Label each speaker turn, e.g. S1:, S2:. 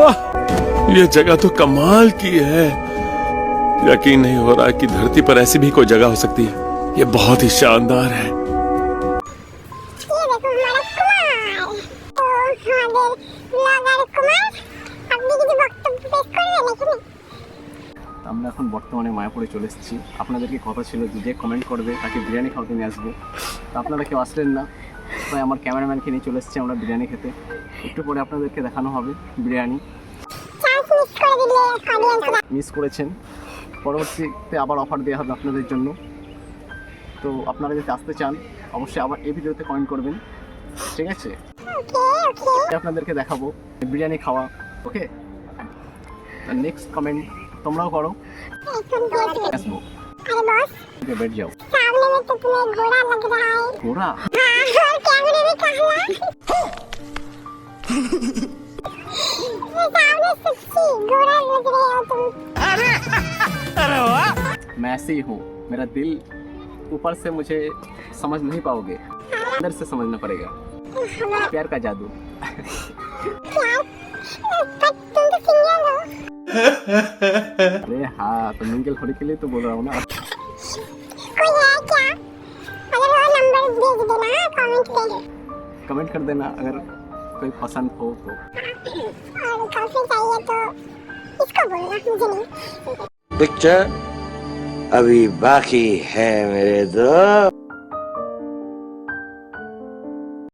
S1: वाह, ये जगह तो कमाल की है। यकीन नहीं हो रहा कि धरती पर ऐसी भी कोई जगह हो सकती है। ये बहुत ही शानदार है।
S2: আমরা এখন বর্তমানে মায়াপুরে চলে এসেছি। আপনাদেরকে কথা ছিল যে কমেন্ট করবে তাকে বিরিয়ানি খাওয়াতে নিয়ে আসবো, তো আপনারা কেউ আসলেন না, তাই আমার ক্যামেরাম্যানকে নিয়ে চলে এসেছি আমরা বিরিয়ানি খেতে। একটু পরে আপনাদেরকে দেখানো হবে বিরিয়ানি। মিস করেছেন, পরবর্তীতে আবার অফার দেওয়া হবে আপনাদের জন্য। তো আপনারা যদি আসতে চান অবশ্যই আবার এই ভিডিওতে কমেন্ট করবেন, ঠিক আছে? আপনাদেরকে দেখাবো বিরিয়ানি খাওয়া। ওকে, নেক্সট কমেন্ট তোমরাও করো। আসবো, बैठ जाओ।
S3: सामने में तो तुम्हें घोड़ा लग रहा है।
S2: घोड़ा?
S3: हाँ, कैमरे में कहा। सामने सच्ची घोड़ा लग रहे हो तुम।
S2: अरे वाह, मैं ऐसे ही हूँ। मेरा दिल ऊपर से मुझे समझ नहीं पाओगे, अंदर से समझना पड़ेगा। प्यार का जादू।
S3: तुम तो सिंगल हो।
S2: अरे हाँ, तो मिंगल होने के लिए तो बोल रहा हूँ ना।
S3: कोई है क्या? अगर वो नंबर भेज देना कमेंट पे।
S2: कमेंट कर देना अगर कोई पसंद हो तो।
S3: और कॉफी चाहिए तो इसको बोलना, मुझे नहीं।
S4: पिक्चर अभी बाकी है मेरे दोस्त।